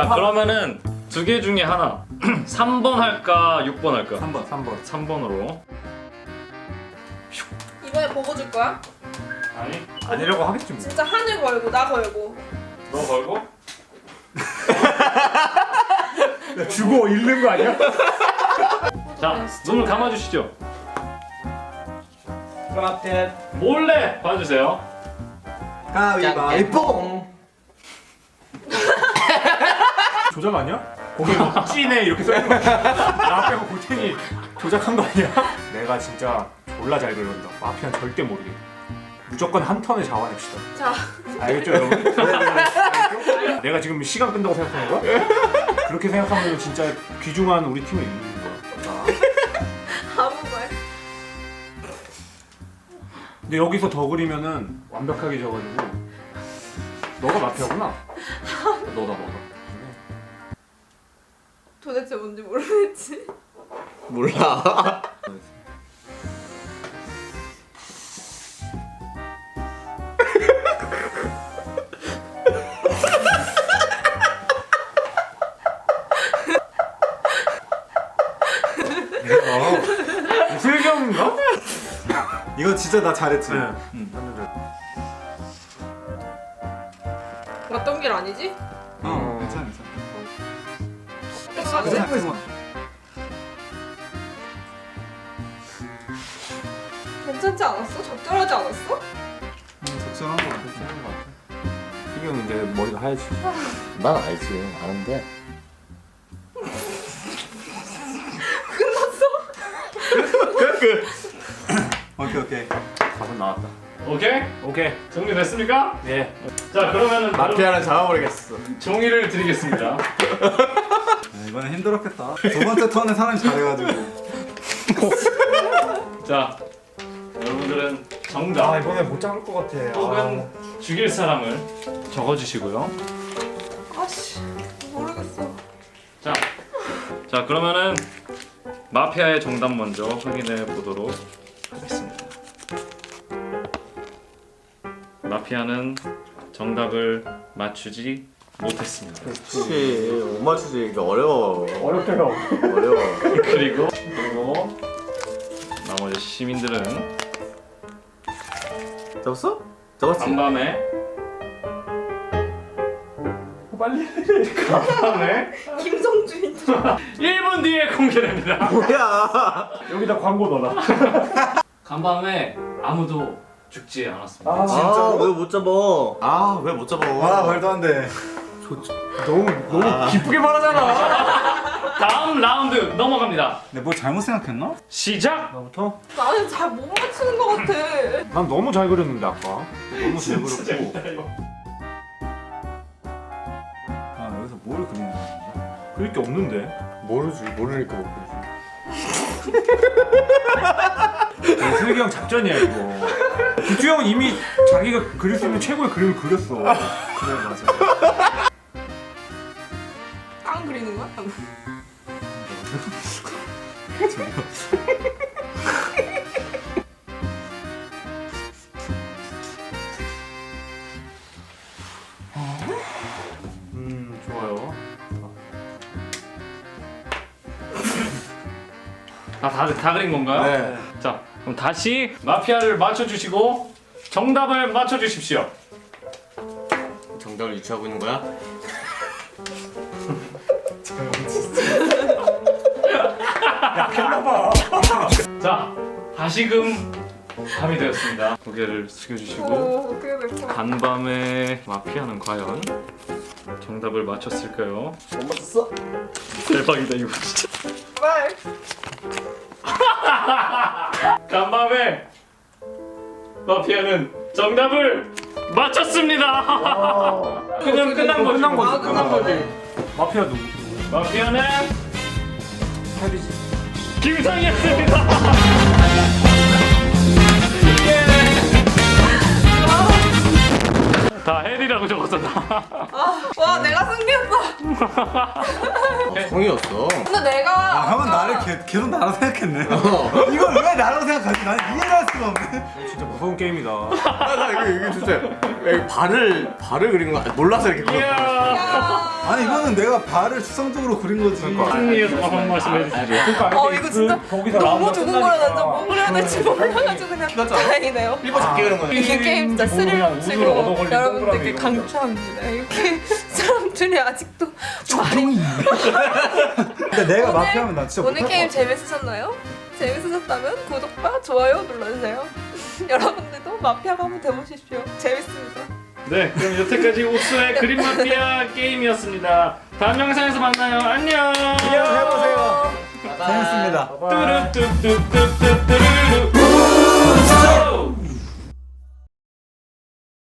그러면은 두 개 중에 하나 3번 할까 6번 할까? 3번. 3번으로. 이번에 보고 줄 거야? 아니 아니라고 하겠지 뭐. 진짜 하늘 걸고 나 걸고. 너 걸고? 주고 잃는 거 아니야? 자 눈을 감아주시죠. 프라켓 몰래 봐주세요. 가위바위보. 조작 아니야? 거기 뭐 찐해 이렇게 써있는 거 나 빼고 골탱이 조작한 거 아니야? 내가 진짜 졸라 잘 그린다. 마피아는 절대 모르게. 무조건 한 턴에 잡아냅시다. 자, 알겠죠 여러분? 알겠죠? 내가 지금 시간 끈다고 생각하는 거야? 그렇게 생각하면 진짜 귀중한 우리 팀을 잃는 거야. 아무 말. 근데 여기서 더 그리면은 완벽하게 져가지고 너가 마피아구나. 너다. 도대체 뭔지 모르겠지. 몰라. 슬경인가? 이거 진짜 나 잘했지. 네. 맞던 길 아니지? 괜찮아. 괜찮지 않았어? 적절하지 않았어? 적절한 거 같아. 슬경은 이제 머리가 하얘지. 난 알지, 아는데. 오케이. 가선 나왔다. 오케이 정리됐습니까? 예. 자 그러면은 마피아는 잡아버리겠어. 종이를 드리겠습니다. 이번엔 힘들었겠다. 두 번째 턴에 사람이 잘해가지고. 자 여러분들은 정답 이번에 못 잡을 것 같아. 혹은 죽일 사람을 적어주시고요. 아씨, 모르겠어. 자 그러면은 마피아의 정답 먼저 확인해 보도록 하겠습니다. 마피아는 정답을 맞추지 못했습니다. 그렇지. 못 맞추지. 이거 어려워. 어렵대요. 어려워. 그리고 나머지 시민들은 잡았어? 잡았지? 간밤에 빨리. 간밤에 김성주인 줄. 1분 뒤에 공개됩니다. 뭐야? 여기다 광고 넣어라. 간밤에 아무도 죽지 않았습니다. 왜 못 잡아? 왜 못 잡아? 말도 안 돼. 너무 기쁘게 말하잖아. 다음 라운드 넘어갑니다. 내가 뭘 잘못 생각했나? 시작! 나부터? 나는 잘 못 맞추는 것 같아. 난 너무 잘 그렸는데 아까. 너무 잘 그렸고. 여기서 뭘 그리는 거야? 그릴 게 없는데. 모르지, 모르니까 못 슬기 작전이야 이거. 기주 형은 이미 자기가 그릴 수 있는 최고의 그림을 그렸어. 그래 맞아. 깡 그리는 거야? 좋아요. 다 그린 건가요? 네. 자, 그럼 다시 마피아를 맞춰주시고 정답을 맞춰주십시오. 정답을 유추하고 있는 거야? 약했나봐. 자, 다시금 밤이 되었습니다. 고개를 숙여주시고 어떻게 될 거야? 간밤에 마피아는 과연 정답을 맞췄을까요? 못 맞췄어? 대박이다 이거 진짜. 말. 간밤에 마피아는 정답을 맞췄습니다. 그냥 끝난 거지. 끝난 거지. 아, 끝난 거지. 마피아 누구? 마피아는 헤비지. 김상이었습니다. 다 헬이라고 적었었다. 와, 내가 승리했어. 성이었어. 근데 내가 아, 형은 나를 계속 나라고 생각했네. 이걸 왜 나라고 생각하지? 난 이해를 할 수가 없네. 진짜 무서운 게임이다. 나 이게 진짜 야, 발을 그린 거 몰라서 이렇게 그렸어. 이야. 아니 이거는 내가 발을 추상적으로 그린 거지. 승리에서 한 말씀 해주시죠. 그러니까 이거 진짜 거기서 너무 라운드가 두근거려. 나 진짜 끝나니까. 뭘 해야 될지 몰라가지고 그냥 다행이네요. 일본 작게 그린 거네. 이게 게임 진짜 그냥 스릴 우주로 치고 얻어걸린 여러분들께 동그라미 이런 강추합니다. 이렇게 사람들이 아직도 말이 근데 내가 마피아면 나 진짜 오늘 못할 게임 것 같아. 재밌으셨나요? 재밌으셨다면 구독과 좋아요 눌러주세요. 여러분들도 마피아가 한번 돼보십시오. 재밌습니다. 네, 그럼 여태까지 옥수의 그림 마피아 게임이었습니다. 다음 영상에서 만나요. 안녕. 해보세요. 재밌습니다. 뚜루뚜뚜뚜뚜뚜루.